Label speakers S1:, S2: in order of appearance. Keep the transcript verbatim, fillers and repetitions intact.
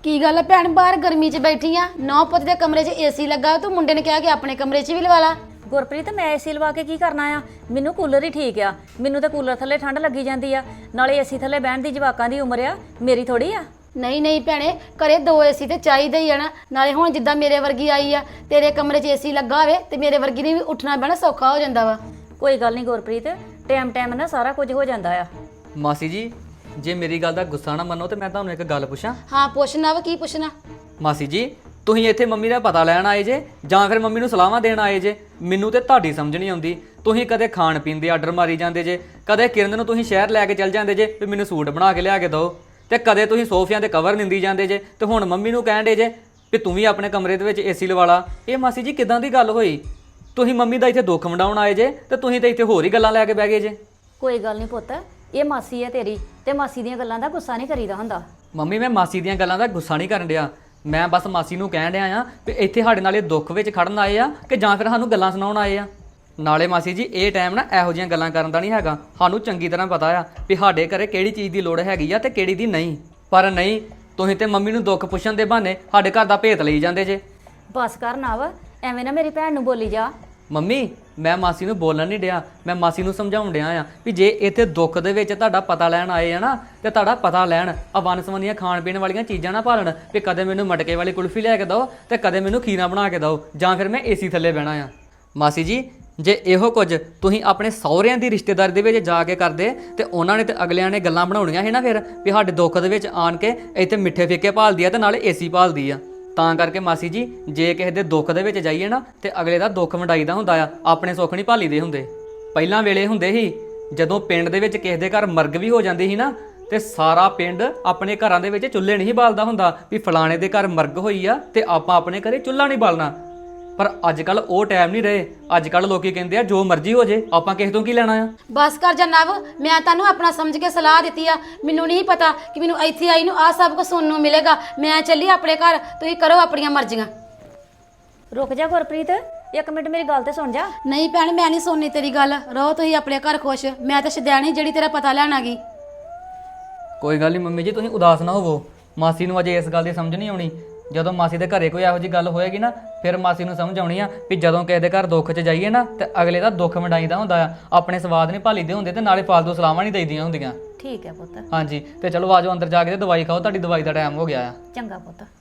S1: ਕੀ ਗੱਲ ਹੈ ਭੈਣ, ਬਾਹਰ ਗਰਮੀ 'ਚ ਬੈਠੀ ਆ, ਨੌ ਪੁੱਤ ਦੇ ਕਮਰੇ 'ਚ ਏਸੀ ਲੱਗਾ, ਤੂੰ ਮੁੰਡੇ ਨੇ ਕਿਹਾ ਕਿ ਆਪਣੇ ਕਮਰੇ 'ਚ ਵੀ ਲਵਾ ਲਾ।
S2: ਗੁਰਪ੍ਰੀਤ ਮੈਂ ਏਸੀ ਲਵਾ ਕੇ ਕੀ ਕਰਨਾ ਆ? ਮੈਨੂੰ ਕੂਲਰ ਹੀ ਠੀਕ ਆ। ਮੈਨੂੰ ਤਾਂ ਕੂਲਰ ਥੱਲੇ ਠੰਡ ਲੱਗੀ ਜਾਂਦੀ ਆ, ਨਾਲੇ ਏਸੀ ਥੱਲੇ ਬਹਿਣ ਦੀ ਜਵਾਕਾਂ ਦੀ ਉਮਰ ਆ, ਮੇਰੀ ਥੋੜੀ ਆ।
S1: ਨਹੀਂ ਨਹੀਂ ਭੈਣੇ, ਘਰੇ ਦੋ ਏਸੀ ਤੇ ਚਾਹੀਦੇ ਹੀ ਆ ਨਾ। ਨਾਲੇ ਹੁਣ ਜਿੱਦਾਂ ਮੇਰੇ ਵਰਗੀ ਆਈ ਆ, ਤੇਰੇ ਕਮਰੇ 'ਚ ਏਸੀ ਲੱਗਾ ਹੋਵੇ ਤੇ ਮੇਰੇ ਵਰਗੀ ਨੇ ਵੀ ਉੱਠਣਾ ਬਹਿਣਾ ਸੌਖਾ ਹੋ ਜਾਂਦਾ ਵਾ।
S2: ਕੋਈ ਗੱਲ ਨਹੀਂ ਗੁਰਪ੍ਰੀਤ, ਟਾਈਮ ਟਾਈਮ ਨਾਲ ਸਾਰਾ ਕੁਝ ਹੋ ਜਾਂਦਾ ਆ।
S3: ਮਾਸੀ ਜੀ, ਜੇ ਮੇਰੀ ਗੱਲ ਦਾ ਗੁੱਸਾ ਨਾ ਮੰਨੋ ਤੇ ਮੈਂ ਤੁਹਾਨੂੰ ਇੱਕ ਗੱਲ ਪੁੱਛਾਂ।
S1: ਹਾਂ ਪੁੱਛਣਾ ਵਾ, ਕੀ ਪੁੱਛਣਾ?
S3: ਮਾਸੀ ਜੀ, ਤੁਸੀਂ ਇੱਥੇ ਮੰਮੀ ਦਾ ਪਤਾ ਲੈਣ ਆਏ ਜੇ ਜਾਂ ਫਿਰ ਮੰਮੀ ਨੂੰ ਸਲਾਹਾਂ ਦੇਣ ਆਏ ਜੇ? ਮੈਨੂੰ ਤੇ ਤੁਹਾਡੀ ਸਮਝ ਨਹੀਂ ਆਉਂਦੀ। ਤੁਸੀਂ ਕਦੇ ਖਾਣ ਪੀਣ ਦੇ ਆਰਡਰ ਮਾਰੀ ਜਾਂਦੇ ਜੇ, ਕਦੇ ਕਿਰਨ ਨੂੰ ਤੁਸੀਂ ਸ਼ਹਿਰ ਲੈ ਕੇ ਚੱਲ ਜਾਂਦੇ ਜੇ ਵੀ ਮੈਨੂੰ ਸੂਟ ਬਣਾ ਕੇ ਲਿਆ ਕੇ ਦਿਓ, ਤੇ ਕਦੇ ਤੁਸੀਂ ਸੋਫਿਆਂ ਦੇ ਕਵਰ ਨਿੰਦੀ ਜਾਂਦੇ ਜੇ, ਤੇ ਹੁਣ ਮੰਮੀ ਨੂੰ ਕਹਿਣ ਦੇ ਜੇ ਵੀ ਤੂੰ ਵੀ ਆਪਣੇ ਕਮਰੇ ਦੇ ਵਿੱਚ ਏਸੀ ਲਵਾ ਲਾ। ਇਹ ਮਾਸੀ ਜੀ ਕਿਦਾਂ ਦੀ ਗੱਲ ਹੋਈ? ਤੁਸੀਂ ਮੰਮੀ ਦਾ ਇੱਥੇ ਦੁੱਖ ਵੰਡਾਉਣ ਆਏ ਜੇ ਤੇ ਤੁਸੀਂ ਤੇ ਇੱਥੇ ਹੋਰ ਹੀ ਗੱਲਾਂ ਲੈ ਕੇ ਬਹਿ ਗਏ ਜੇ।
S2: ਕੋਈ ਗੱਲ ਨਹੀਂ ਪੁੱਤ, ਇਹ ਮਾਸੀ ਹੈ ਤੇਰੀ, ਤੇ ਮਾਸੀ ਦੀਆਂ ਗੱਲਾਂ ਦਾ ਗੁੱਸਾ ਨਹੀਂ ਕਰੀਦਾ ਹੁੰਦਾ।
S3: ਮੰਮੀ ਮੈਂ ਮਾਸੀ ਦੀਆਂ ਗੱਲਾਂ ਦਾ ਗੁੱਸਾ ਨਹੀਂ ਕਰਨ ਡਿਆ, ਮੈਂ ਬਸ ਮਾਸੀ ਨੂੰ ਕਹਿਣ ਡਿਆ ਆ ਵੀ ਇੱਥੇ ਸਾਡੇ ਨਾਲ ਇਹ ਦੁੱਖ ਵਿੱਚ ਖੜਨ ਆਏ ਆ ਕਿ ਜਾਂ ਫਿਰ ਸਾਨੂੰ ਗੱਲਾਂ ਸੁਣਾਉਣ ਆਏ ਆ। ਨਾਲੇ ਮਾਸੀ ਜੀ ਇਹ ਟਾਈਮ ਨਾ ਇਹੋ ਜਿਹੀਆਂ ਗੱਲਾਂ ਕਰਨ ਦਾ ਨਹੀਂ ਹੈਗਾ। ਸਾਨੂੰ ਚੰਗੀ ਤਰ੍ਹਾਂ ਪਤਾ ਆ ਵੀ ਸਾਡੇ ਘਰੇ ਕਿਹੜੀ ਚੀਜ਼ ਦੀ ਲੋੜ ਹੈਗੀ ਆ ਤੇ ਕਿਹੜੀ ਦੀ ਨਹੀਂ। ਪਰ ਨਹੀਂ, ਤੁਸੀਂ ਤੇ ਮੰਮੀ ਨੂੰ ਦੁੱਖ ਪੁੱਛਣ ਦੇ ਬਹਾਨੇ ਸਾਡੇ ਘਰ ਦਾ ਭੇਤ ਲਈ ਜਾਂਦੇ ਜੇ।
S2: ਬਸ ਕਰ ਨਵ, ਐਵੇਂ ਨਾ ਮੇਰੀ ਭੈਣ ਨੂੰ ਬੋਲੀ ਜਾ।
S3: ਮੰਮੀ ਮੈਂ ਮਾਸੀ ਨੂੰ ਬੋਲਣ ਨਹੀਂ ਡਿਆ, ਮੈਂ ਮਾਸੀ ਨੂੰ ਸਮਝਾਉਣ ਡਿਆ ਆ ਵੀ ਜੇ ਇੱਥੇ ਦੁੱਖ ਦੇ ਵਿੱਚ ਤੁਹਾਡਾ ਪਤਾ ਲੈਣ ਆਏ ਆ ਨਾ, ਤੇ ਤੁਹਾਡਾ ਪਤਾ ਲੈਣ ਆ ਵਨਸਵੰਨੀਆਂ ਖਾਣ ਪੀਣ ਵਾਲੀਆਂ ਚੀਜ਼ਾਂ ਨਾ ਭਾਲਣ ਵੀ ਕਦੇ ਮੈਨੂੰ ਮਟਕੇ ਵਾਲੀ ਕੁਲਫੀ ਲੈ ਕੇ ਦਿਓ ਤੇ ਕਦੇ ਮੈਨੂੰ ਖੀਰਾ ਬਣਾ ਕੇ ਦਿਓ ਜਾਂ ਫਿਰ ਮੈਂ ਏਸੀ ਥੱਲੇ ਬਹਿਣਾ ਆ। ਮਾਸੀ ਜੀ, ਜੇ ਇਹੋ ਕੁਝ ਤੁਸੀਂ ਆਪਣੇ ਸਹੁਰਿਆਂ ਦੀ ਰਿਸ਼ਤੇਦਾਰੀ ਦੇ ਵਿੱਚ ਜਾ ਕੇ ਕਰਦੇ ਤੇ ਉਹਨਾਂ ਨੇ ਤੇ ਅਗਲਿਆਂ ਨੇ ਗੱਲਾਂ ਬਣਾਉਣੀਆਂ ਸੀ ਨਾ ਫਿਰ ਵੀ ਸਾਡੇ ਦੁੱਖ ਦੇ ਵਿੱਚ ਆਣ ਕੇ ਇੱਥੇ ਮਿੱਠੇ ਫੇਕੇ ਭਾਲਦੀ ਆ ਤੇ ਨਾਲੇ ਏਸੀ ਭਾਲਦੀ ਆ। ਤਾਂ ਕਰਕੇ ਮਾਸੀ ਜੀ, ਜੇ ਕਿਸੇ ਦੇ ਦੁੱਖ ਦੇ ਵਿੱਚ ਜਾਈਏ ਨਾ ਤੇ ਅਗਲੇ ਦਾ ਦੁੱਖ ਵੰਡਾਈਦਾ ਹੁੰਦਾ ਆ, ਆਪਣੇ ਸੁੱਖ ਨਹੀਂ ਭਾਲੀਦੇ ਹੁੰਦੇ। ਪਹਿਲਾਂ ਵੇਲੇ ਹੁੰਦੇ ਸੀ ਜਦੋਂ ਪਿੰਡ ਦੇ ਵਿੱਚ ਕਿਸੇ ਦੇ ਘਰ ਮਰਗ ਵੀ ਹੋ ਜਾਂਦੀ ਸੀ ਨਾ, ਤੇ ਸਾਰਾ ਪਿੰਡ ਆਪਣੇ ਘਰਾਂ ਦੇ ਵਿੱਚ ਚੁੱਲ੍ਹੇ ਨਹੀਂ ਬਾਲਦਾ ਹੁੰਦਾ ਵੀ ਫਲਾਣੇ ਦੇ ਘਰ ਮਰਗ ਹੋਈ ਆ ਤੇ ਆਪਾਂ ਆਪਣੇ ਘਰੇ ਚੁੱਲ੍ਹਾ ਨਹੀਂ ਬਾਲਣਾ। ਪਰ ਅੱਜ ਕੱਲ ਉਹ ਟਾਈਮ ਨਹੀਂ ਰਹੇ। ਅੱਜ ਕੱਲ ਲੋਕੀ ਕਹਿੰਦੇ ਆ ਜੋ ਮਰਜ਼ੀ ਹੋ ਜੇ, ਆਪਾਂ ਕਿਸੇ ਤੋਂ ਕੀ ਲੈਣਾ ਆ।
S1: ਬਸ ਕਰ ਜਾ ਨਵ, ਮੈਂ ਤੁਹਾਨੂੰ ਆਪਣਾ ਸਮਝ ਕੇ ਸਲਾਹ ਦਿੱਤੀ ਆ। ਮੈਨੂੰ ਨਹੀਂ ਪਤਾ ਕਿ ਮੈਨੂੰ ਇੱਥੇ ਆਈ ਨੂੰ ਆਹ ਸਭ ਕੁਝ ਸੁਣਨ ਨੂੰ ਮਿਲੇਗਾ। ਮੈਂ ਚੱਲੀ ਆਪਣੇ ਘਰ, ਤੁਸੀਂ ਕਰੋ ਆਪਣੀਆਂ ਮਰਜ਼ੀਆਂ।
S2: ਰੁਕ ਜਾ ਗੁਰਪ੍ਰੀਤ, ਇੱਕ ਮਿੰਟ ਮੇਰੀ ਗੱਲ ਤੇ ਸੁਣ ਜਾ।
S1: ਨਹੀਂ ਭੈਣ, ਮੈਂ ਨਹੀਂ ਸੁਣਨੀ ਤੇਰੀ ਗੱਲ। ਰਹੋ ਤੁਸੀਂ ਆਪਣੇ ਘਰ ਖੁਸ਼, ਮੈਂ ਤਾਂ ਸ਼ਦੈਣੀ ਜਿਹੜੀ ਤੇਰਾ ਪਤਾ ਲੈਣ ਆ ਗਈ।
S3: ਕੋਈ ਗੱਲ ਨਹੀਂ ਮੰਮੀ ਜੀ, ਤੁਸੀਂ ਉਦਾਸ ਨਾ ਹੋਵੋ। ਮਾਸੀ ਨੂੰ ਅਜੇ ਇਸ ਗੱਲ ਦੀ ਸਮਝ ਨਹੀਂ ਆਉਣੀ। ਜਦੋਂ ਮਾਸੀ ਦੇ ਘਰੇ ਕੋਈ ਇਹੋ ਜਿਹੀ ਗੱਲ ਹੋਏਗੀ ਨਾ, ਫਿਰ ਮਾਸੀ ਨੂੰ ਸਮਝ ਆਉਣੀ ਆ ਵੀ ਜਦੋਂ ਕਿਸੇ ਦੇ ਘਰ ਦੁੱਖ 'ਚ ਜਾਈਏ ਨਾ ਤੇ ਅਗਲੇ ਦਾ ਦੁੱਖ ਵੰਡਾਈਦਾ ਹੁੰਦਾ ਆ, ਆਪਣੇ ਸਵਾਦ ਨਹੀਂ ਭਾਲੀਦੇ ਹੁੰਦੇ ਤੇ ਨਾਲੇ ਫਾਲਤੂ ਸਲਾਹਾਂ ਨਹੀਂ ਦੇਈਦੀਆਂ ਹੁੰਦੀਆਂ।
S2: ਠੀਕ ਹੈ ਪੁੱਤ।
S3: ਹਾਂਜੀ, ਤੇ ਚਲੋ ਆਜੋ ਅੰਦਰ ਜਾ ਕੇ ਤੇ ਦਵਾਈ ਖਾਓ, ਤੁਹਾਡੀ ਦਵਾਈ ਦਾ ਟਾਈਮ ਹੋ ਗਿਆ ਆ।
S2: ਚੰਗਾ ਪੁੱਤ।